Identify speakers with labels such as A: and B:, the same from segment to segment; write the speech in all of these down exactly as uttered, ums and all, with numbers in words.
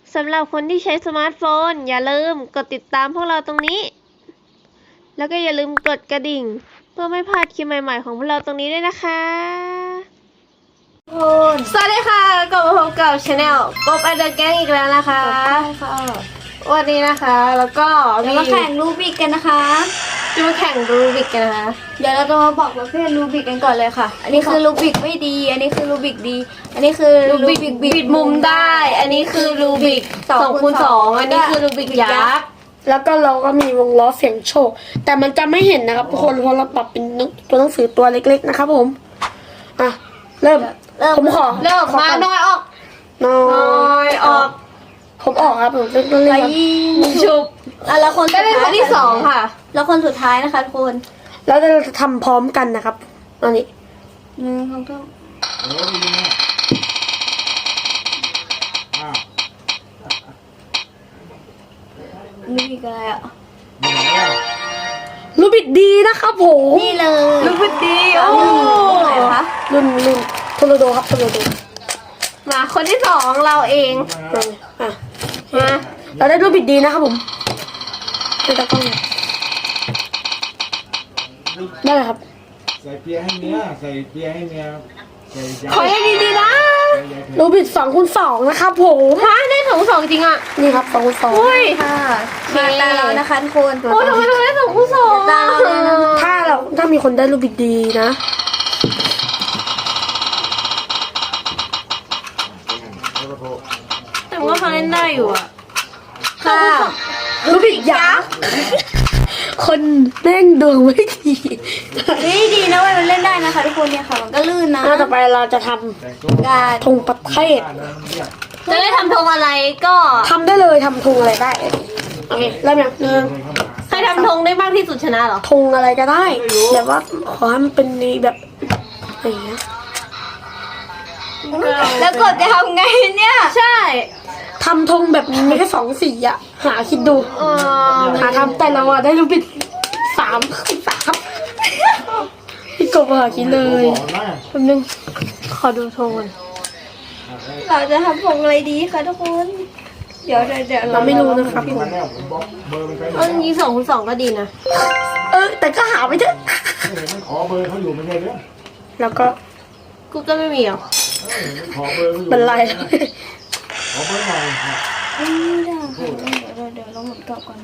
A: สำหรับคนที่ใช้สมาร์ทโฟนอย่าลืมกดติดตามพวกเราตรงนี้แล้วก็อย่าลืมกดกระดิ่งเพื่อไม่พลาดคลิปใหม่ๆของพวกเราตรงนี้ด้วยนะคะสวัสดีค่ะกลับมาพบกับชาแนลกบแอนเดอร์แก๊งอีกแล้วนะคะวันนี้นะคะแล้วก็
B: จะมาแข่งรูบิกกันนะคะ
A: จะมาแข่งรูบิกกันนะคะ
B: เดี๋ยวเราจะมาบอกประเภทรูบิกกันก่อนเลยค่ะอันนี้คือรูบิกไม่ดีอันนี้คือรูบิกดีอันนี้คือรูบิกบิดมุมได้
A: อันนี้คือรูบิกสองคูณสองอันนี้คือรูบิกยักษ์
C: แล้วก็เราก็มีวงล้อเสียงโชคแต่มันจะไม่เห็นนะครับทุกคนเพราะเราปรับเป็นตัวหนังสือตัวเล็กๆนะครับผมอ่ะเริ่มผมขอ
A: เริ่มมาน้อยออก
C: น้อ
A: น้อย ยออก
C: ผมออกครับผมเล่นเล่น
B: ไป
C: ครับ
B: ยิง
A: ชุบ
B: อ่ะแล้วคน
A: ได้เป็นคนที่สองค่ะ
B: แล้วคนสุดท้ายนะคะทุกคน
C: แล้วเราจะทำพร้อมกันนะครับอันนี้
B: หนึ่งสองสาม
D: เออดีนะอ้าว
B: รูบิกอะไรอ่ะ
D: มีไหนอ่ะ
C: รูบิดดีนะครับผม
B: นี่เลย
A: รูบิกดีโอ้
B: ไหนคะ
C: รุ่นรุ่นโทรโดครับโทรโด
A: มาคนที่สองเราเอง
C: อ่ะอ่ะ
A: มา
C: เราได้รูบิดดีนะครับผมไม่ต้องกล้องเลยได้เลยครับ
D: ใส่เปียให้เมียใส่เปียให้เมียใส่ยา
A: ขอให้ดีๆนะ
D: ใส่ยาเผ็ด
C: รูบิดสองคูณสองนะครับผม
A: ฮะได้สองสองจริงอ่ะ
C: นี่ครับสองคูณสอง
A: เฮ้ย
B: ค่ะมาตาเรานะคะทุกคน
A: โอ้ทำไมเราได้สองคู่สอง
B: ตาเราเลยนะ
C: ถ้าเราถ้ามีคนได้รูบิดดีนะ
D: แล้วก็โทร
A: แต่ว่าเขาเล่นได้อยู่อ่ะ
B: ค่ะ
C: รูบิดยักษ์คนแม่งดวงไม่ดี
B: นี่ดีนะเว่ามันเล่นได้นะคะทุกคนเนี่ยค่ะมันก็ลื่นนะ
C: อ่ะต่อไปเราจะท
D: แต่งตัว
B: การ
C: ำธงประเทศ
D: บ้านแล้วเรียก
A: จะได้ทำธงอะไรก็
C: ทำได้เลยทำธงอะไรได้โอเคเริ่มยังหนึ่ง
D: เดินเข้ามา
A: ใครทำธงได้มากที่สุดชนะเหรอ
C: ธงอะไรก็ได้แบบว่าขอให้มันเป็นในแบบอะไรอย่างเงี้ย
B: แล้วกดจะทำไงเนี่ย
A: ใช่
C: ทำธงแบบมีแค่สองสีอะหาคิดดู
A: เออ
C: หาทำแต่เราอะได้รูบิดสามสามพี่กบหาคิดเลย
D: บอกนะ
A: แป๊บนึงขอดูธงก่อน
B: เราจะทำผงอะไรดีคะทุกคน เดี๋ยวเดี๋ยวเดี๋ยว
C: เราไม่รู้นะครับผม
D: มันแล้วผมบอกเบอร์มันไปหม
A: เอา
D: ด
A: จริงๆสองคูณสองก็ดีนะ
C: เออแต่ก็หาไม่เจอ
D: เห็นมันขอเบอร์เขาอยู่ไม่ใช่เหรอ
C: แล้วก็
A: กูก็ไม่มีหรอก
D: เออมันขอเบอร์เขาอยู่
C: เป็นไร
D: ขอเบอร์หน่อยนะ
B: ไม่ได้ค่ะเดี๋ยวเดี๋ยวเราหมุนกลับก่อนนะ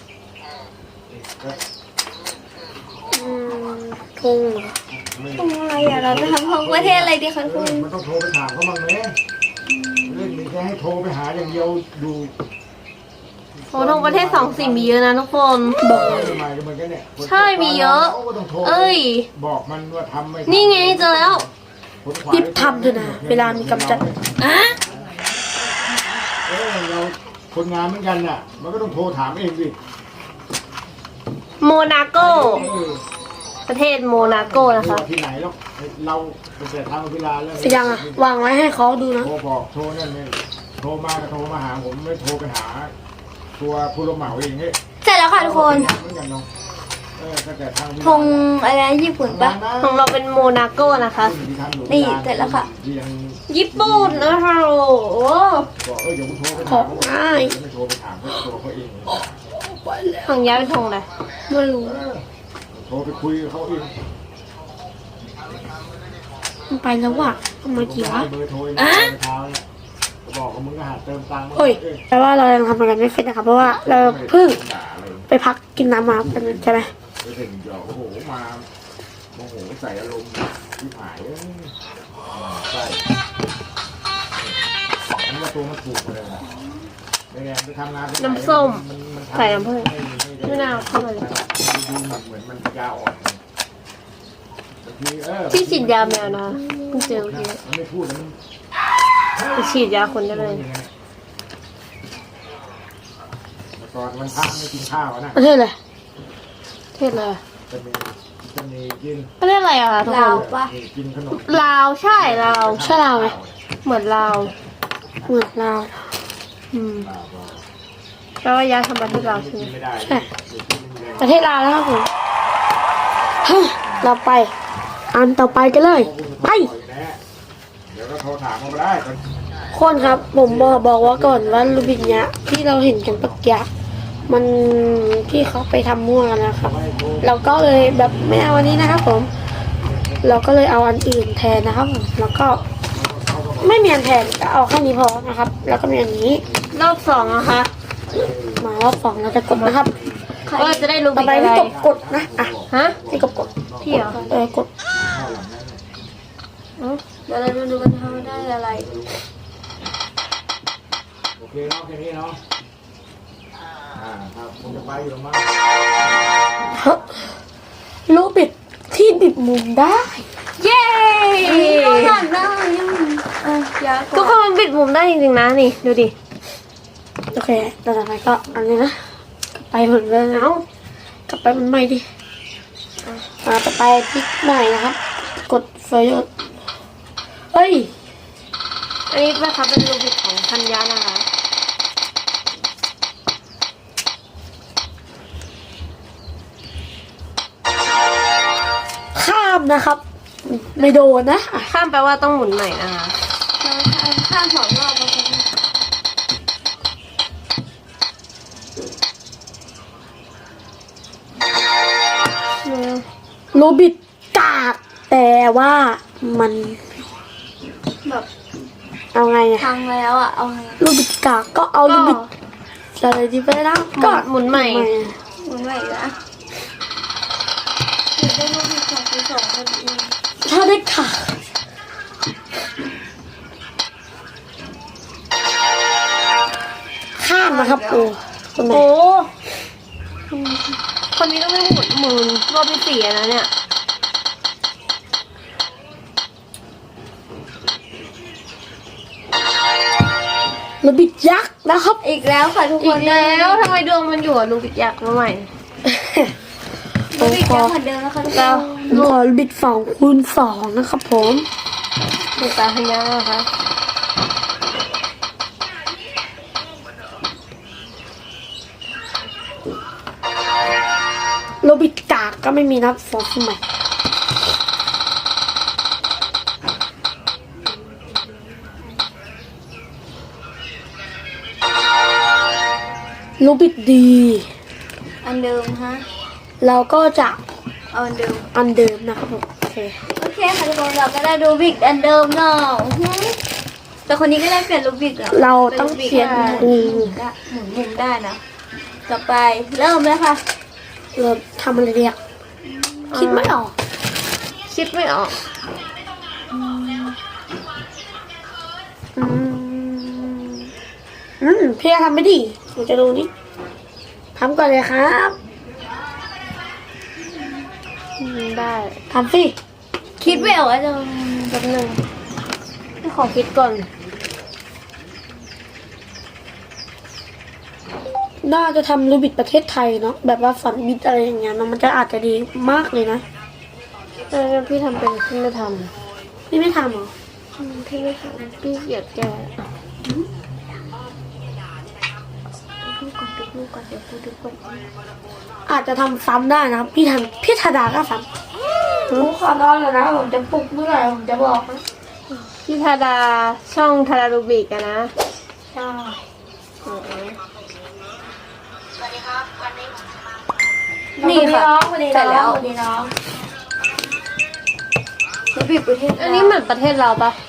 C: อืมธงเหรอ
B: ผงอะไรอ่ะเราจะทำผงประเทศอะไรดีคะทุกคน
D: มันต้องโทรไปถามเขาบ้างไหมเรื่องนี้แค่ให้โทรไปหาอย่างเดียวดู
A: โอ้ธงประเทศสองสีมีเยอะนะทุกคน
C: บอก
D: ทำไมก็เหมือนกันเนี่ย
A: ใช่มีเยอะ
D: ขาก็ต้องโทร
A: เอ้ย
D: บอกมันว่าทำไม่
A: นี่ไงเจอแล้ว
C: รีบทำเถอะนะเวลามีกำจัด
A: อ่ะ
D: เออเราคนงานเหมือนกันน่ะ มันก็ต้องโทรถามเองสิ
A: โมนาโก
D: เออ
A: ประเทศโมนาโกนะคะ
D: ที่ไหนแล้วเราเป็นแต่ทางเวลาแล้ว
C: เสียงอะวางไว้ให้เขาดูนะ
D: โทรบอกโทรนั่นเนี่ยโทรมาก็โทรมาหาผมไม่โทรไปหา ตัวผู้รับเหมาเองเฮ้ย
B: เสร็จแล้วค่ะทุกคน
D: เหมือนกันเนาะเออตั้งแต่ทางเวลา
B: ธงอะไรนะญี่ปุ่นปะ
A: ของเราเป็นโมนาโกนะคะ
B: นี่เสร็จแล้วค่ะ
D: ยัง
A: ญี่ปุ่นนะคะโอ้โห
D: บอกเออเดี๋ยวกูโทรไป
C: ขอ
D: ถาม
C: งง่าย
D: ไม่โทรไปถามเขาตัวเขาเองเลย
A: ของย้ายเป็นธงอะไร
C: ไม่รู้
D: เออโทรไปคุยกับเขาเอง
C: มันไปแล้วว่ะทำไมกี่วะ
D: เบอร์โทรเองเมื่อเช้าเนี่ยบอกกับมึงก็หาเติมตังค์
C: เฮ้ยแปลว่าเรายังทำอะไรไม่เสร็จนะครับ เพราะว่าเราเพิ่งไปพักกินน้ำมากันใช่ไหม
D: ไปถึงเดี๋ยวโอ้โหมาโมโหใส่อารมณ์ที่หายเอ้ยใส่อันนี้ตัวมันถูกเลยนะไม่ไงไปทำงานที่ไห
A: น้ำส้ม
D: นนทำ
A: ใส่น้ำผึ้ง
D: ไม่ไม่ได้
A: มะนาวเข้ามาเลย
D: ดูเหมือนเหมือนมันยาวอ่อนบางทีเออ
A: ที่ฉีดยาแมวนะเพิ่งเจอเมื่อกี้
D: มันไม่พูดแล้วมัน
A: ไปฉีดยาคนได้เลย
D: แต่ก่อนมันพักไม่กินข้าวอะนะ
C: ประเทศอะไร
A: เทศเลย
D: จะมีจะมีกิน
A: ประเทศอะไรอะคะทุกค
B: ลาวน ปะ
D: มีกินขนม
A: ลาวใช่ลาว
C: ใช่ลาวไหม
A: เหมือนลาว
C: เหมือนลาว
A: อืมแปลว่าย้ายทำประเทศลาวใช่ไหม
D: กินไม่ได้
C: ใช่ประเทศลาวแล้วครับผมเฮ้ยเราไป อันต่อไปกันเลย ไป
D: เดี๋ยวก็โทรถามมาได้
C: คคนครับ ผมบอกบอกว่าก่อนว่าลูบิกเนี้ยที่เราเห็นกันปักยะมันที่เขาไปทำมั่วกันนะครับ เราก็เลยแบบไม่เอาอันนี้นะครับผม เราก็เลยเอาอันอื่นแทนนะครับผมแล้วก็ไม่มีอันแทนก็เอาแค่นี้พอนะครับ แล้วก็มีอันนี้
A: รอบสองนะคะ
C: มารอบสองเราจะกดนะครับ
A: ว่าจะได้รู
C: ต่อ
A: บิก
C: ไป
A: อะไร
C: พี่กบกดนะอ่ะ
A: ฮะ
C: พี่กบกด
A: พี่เหรอ
C: เออกด
B: เดี๋ยวเราดูดูกันว่าได้อะไร
D: โอเคเนาะแค่นี้เนาะอ่าครับผมจะไปอยู่มั้ง
C: ฮะลูบิดที่บิดมุมได้
A: เย้
B: ผ่านได้ยังเอ้ยยาก
A: ทุกคนมันบิดมุมได้จริงๆนะนี่ดูดิ
C: โอเคต่อไปก็อันนี้นะกลับไปเหมือนเดิมเอากลับไปมันใหม่ดิอ่าต่อไปพลิกใหม่นะครับ กดไฟยศเฮ้ย
A: อันนี้นะคะเป็นรูบิกของธัญญานะคะ
C: ข้ามนะครับ ไม่โดนนะอ่ะ
A: ข้ามแปลว่าต้องหมุนใหม่นะคะ
B: เราข้ามสองรอบแล้วกัน
C: ลูบิดกากแต่ว่ามัน
B: แบบ
C: เอาไงอะ
B: พังแล้วอ่ะ เอาไง
C: ลูบิดกากก็เอาลูบิดอะไรดีไปนะ
A: ก็หมุนใหม่
B: หมุนใหม่อีกนะเดี๋ยวได้รูปที่สองที่สองพอดี
C: ถ้าได้ค่ะข้ามนะครับโอ้คนไหน
A: โอ้คนนี้ต้องไม่หมุนหมุนรอบที่สี่อะนะเนี่ย
C: ลูบิดยักษ์นะครับ
B: อีกแล้วค่ะทุกค
A: อี
B: น
A: กแล้วทำไมดวงมันอยู่กับลูบิกยักษ์มาใหม่
B: รูปอีกแล้วเหมือนเดิมนะคะทุกค
A: เรา
B: น
C: ผมขอลูบิดสองคูณสองนะครับผม
A: ดูตาธัญญานะคะ
C: โรบิดกากก็ไม่มีนับฟอสใหม่โรบิดดี
B: อันเดิมฮะ
C: เราก็จะ
B: เอาอันเดิม
C: อันเดิมนะครับผมโอเค
B: โอเคค่ะทุกคนเราก็ได้รูบิกอันเดิมเนาะแต่คนนี้ก็ได้เปลี่ยนรูบิกแล้ว
C: เราต้องเปลี่ยน
B: ห
C: อื
B: มุ
C: ม
B: นได้หมุนมุมได้นะ ต่อไปเริ่มเลยค่ะ
C: เราทำอะไรเรียกคิดไม่ออก
A: คิดไม่ออกอืม
C: อืมพี่ทำไม่ดีหนูจะดูนี่ทำก่อนเลยครับ
A: อืมได้
C: ทำสิ
B: คิดไม่ออกว่าจะ
A: แป๊บหนึงพี่ขอคิดก่อน
C: น่าจะทำรูบิดประเทศไทยเนาะแบบว่าฝันบิดอะไรอย่างเงี้ยเนาะมันจะอาจจะดีมากเลยนะ
A: เออพี่ทำเป็นพี่ไม่ท
C: พี่ไม่ทำเหรอ
A: ำอืมพี่ไม่ทำพี่เกลียดแก
B: ดูก่อนดูดูก่อนเดี๋ยวดูดูก่อน
C: อาจจะทำซ้ำได้นะครับ พี่ทำพี่ธดาก็ซ้ำรู้ขอนอนแล้วนะผมจะปลุกเมื่อไหร่ผมจะบอกนะ
A: พี่ธาดาช่องธาดารูบิกอะนะ
C: ใช่
A: อ๋อ
B: นี่ค่ะ
C: วันนี้
B: เสร็จแล้ว
C: วันนี้น้อง
B: รูบิกประเทศ
A: อันนี้เหมือนประเทศเราปะ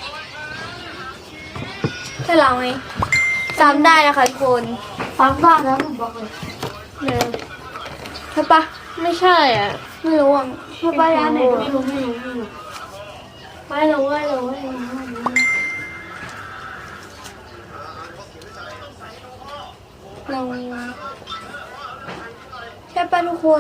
B: ใช่เราไหมจำได้นะคะทุกคน
C: ซ้ำบ้านนะผมบอกเลย
A: เนี่ย
B: ใช่ปะ
A: ไม่ใช่อ่ะ
B: ไม่รู้อ่ะใช่ปะร้านไหน
C: ไม่รู้ไม่รู้ไม่รู้ไม่รู้ไม่รู้ไม่รู้ไม่รู้
B: เราใช่ปะทุกคน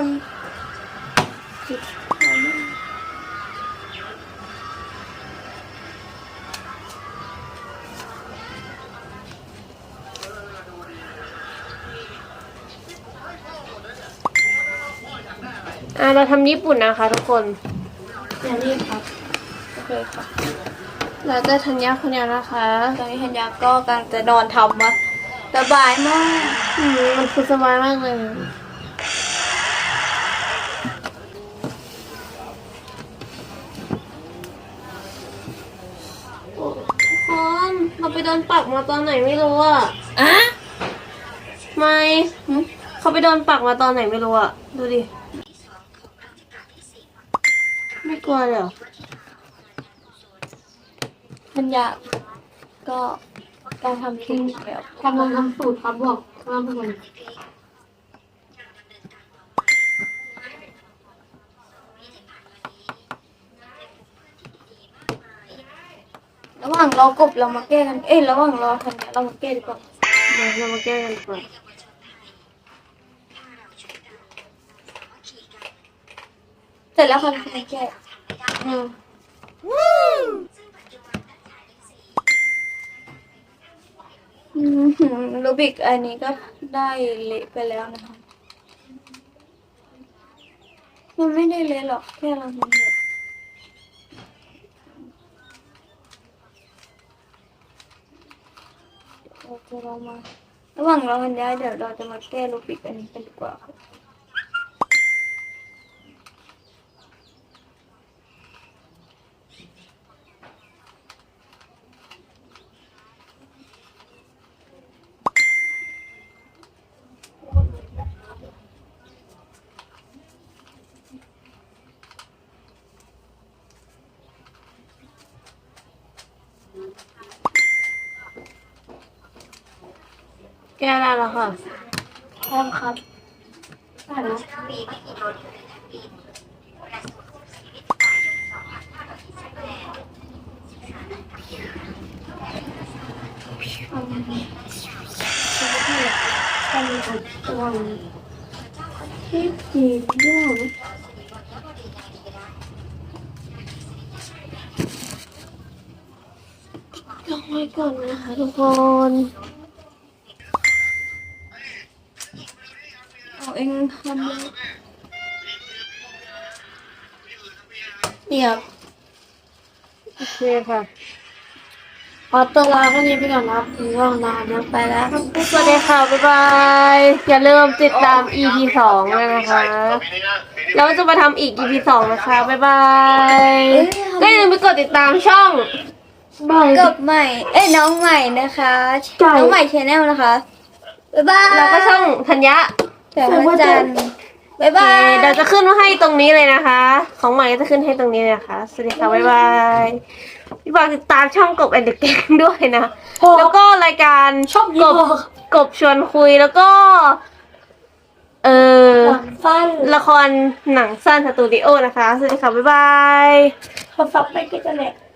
A: อ่ะเราทำญี่ปุ่นนะคะทุกคน
C: อย่ารีบครับ
A: โอเคค่ะเราจะธัญญาคนนี้นะคะ
B: ตอนนี้ธัญญาก็กำลังจะนอนทำมาสบายมาก
A: อืมมันคือสบายมากเลย
B: ทุกคนเราไป
A: ดนปักมาตอนไหนไม่รู้อ่ะ
B: อะ
A: ไม่เขาไปโดนปักมาตอนไหนไม่รู้อ่ะ ดูดิ ไม่กลัวเลยเหรอ
B: มันยากก็การทำคลิปแบบ
C: กำลังทำสูตรครับบอกท่านผู้ชม
B: ระหว่างรอกบเรามาแก้กัน เอ้ยระหว่างรอทันเนี่ยเรามาแก้ดีกว่า
A: เดี๋ยวเรามาแก้กันก่อน
B: เสร็จแล้วค่ะทันแก้
A: อืม
B: อืมรูบิกอันนี้ก็ได้เละไปแล้วนะคะมันไม่ได้เละหรอกแค่เราทำแบบเราจะลองมาระหว่างเราทันย้ายเดี๋ยวเราจะมาแก้รูบิกอันนี้กันดีกว่าค่ะ
A: แก้ได้แล้วค่ะ
B: พร้อมครับ
C: ที่จีบด้วย
A: ลองไว้ก่อนนะคะทุกคน
B: เอาเองทำเลย
C: นี่ครับ
A: โอเคค่ะ
C: ขอตัวลาแค่นี้ไปก่อนนะครับง่วงนอนนะไปแล้วครับ
A: สวัสดีค่ะ บ๊ายบาย อย่าลืมติดตาม อี พี สองเลยนะคะ เราจะมาทำอีก อี พี สองนะคะ บ๊ายบายก็อย่าลืมไปกดติดตามช่อง
B: กับใหม่ เอ้ยน้องใหม่นะคะ น้องใหม่ชแนลนะคะ บ๊ายบาย
A: แล้วก็ช่องธัญญะ
B: แสงพระจันทร์บ๊ายบาย
A: เดี๋ยวจะขึ้นให้ตรงนี้เลยนะคะ ของใหม่ก็จะขึ้นให้ตรงนี้เลยนะคะ สวัสดีค่ะ บ๊ายบายพี่ฝากติดตามช่องกบแอนเดอร์แกงด้วยนะ แล้วก็รายการช่องกบกบชวนคุยแล้วก็ เออ
C: สั้น
A: ละครหนังสั้นสตูดิโอนะคะ สวัสดีค่ะ บ๊ายบาย
C: เขาซับไปก็จะแหละ